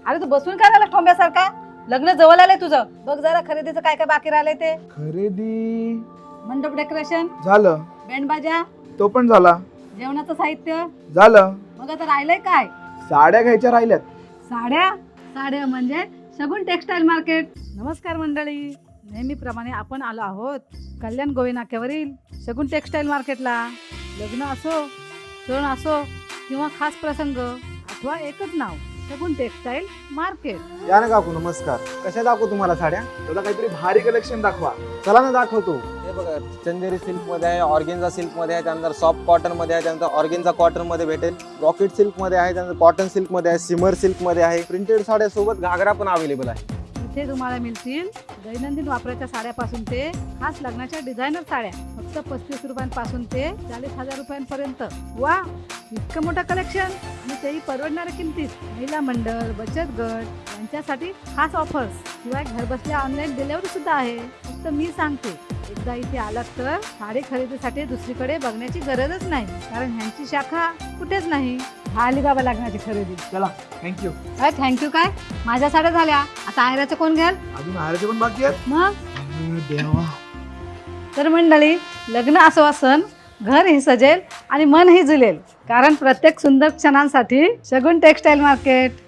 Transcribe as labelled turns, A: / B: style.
A: अरे तू बसून काय झाला ठोंब्यासारखा? लग्न जवळ आलंय तुझं. बघ जरा खरेदीचं काय काय बाकी राहिलंय ते.
B: खरेदी
A: मंडप डेकोरेशन,
B: झालं,
A: बँड बाजा,
B: तो पण झाला.
A: जेवणाचं साहित्य.
B: झालं.
A: मग आता राहिलंय काय?
B: साड्या घ्यायच्या राहिल्यात.
A: साड्या. साड्या म्हणजे शगुन टेक्सटाईल मार्केट. नमस्कार मंडळी, नेहमीप्रमाणे आपण आलो आहोत कल्याण गोवे नाक्यावरील शगुन टेक्सटाईल मार्केटला. लग्न असो, सण असो किंवा खास प्रसंग, अथवा एकच नाव, शगुन टेक्सटाईल मार्केट.
C: या ना काकू, नमस्कार. कशा दाखवू तुम्हाला साड्या?
B: तुला काहीतरी भारी कलेक्शन दाखवा.
C: चला ना दाखवतो. हे बघा, चंदेरी सिल्क मध्ये आहे, ऑर्गेन्झा सिल्क मध्ये आहे, त्यानंतर सॉफ्ट कॉटन मध्ये आहे, त्यानंतर ऑर्गेन्झा कॉटन मध्ये भेटेल, रॉकेट सिल्क मध्ये आहे, त्यानंतर कॉटन सिल्क मध्ये आहे, सिमर सिल्क मध्ये आहे. प्रिंटेड साड्या सोबत घागरा पण अवेलेबल आहे.
A: इथे तुम्हाला मिळतील दैनंदिन वापराच्या साड्यापासून ते खास लग्नाच्या डिझायनर साड्या. फक्त 35 रुपयांपासून ते 40,000 रुपयांपर्यंत. वा, इतकं मोठं कलेक्शन आणि तेही परवडणाऱ्या किमतीत. महिला मंडळ, बचत गट यांच्यासाठी खास ऑफर्स, शिवाय घरबसल्या ऑनलाईन डिलिव्हरी सुद्धा आहे. फक्त मी सांगते, एकदा इथे आलात तर साडी खरेदीसाठी दुसरीकडे बघण्याची गरजच नाही, कारण ह्यांची शाखा कुठेच नाही. झाली बाबा लग्नाची खरेदी.
B: चला, थँक्यू.
A: काय थँक्यू काय? माझ्या साड्या झाल्या, आता आयराचं कोण घ्याल?
B: अजून हाराचे पण बाकी आहेत.
A: मग
B: देवा.
A: तर मंडळी, लग्न असो सण, घरही सजेल आणि मनही जुलेल, कारण प्रत्येक सुंदर क्षणांसाठी शगुन टेक्सटाईल मार्केट.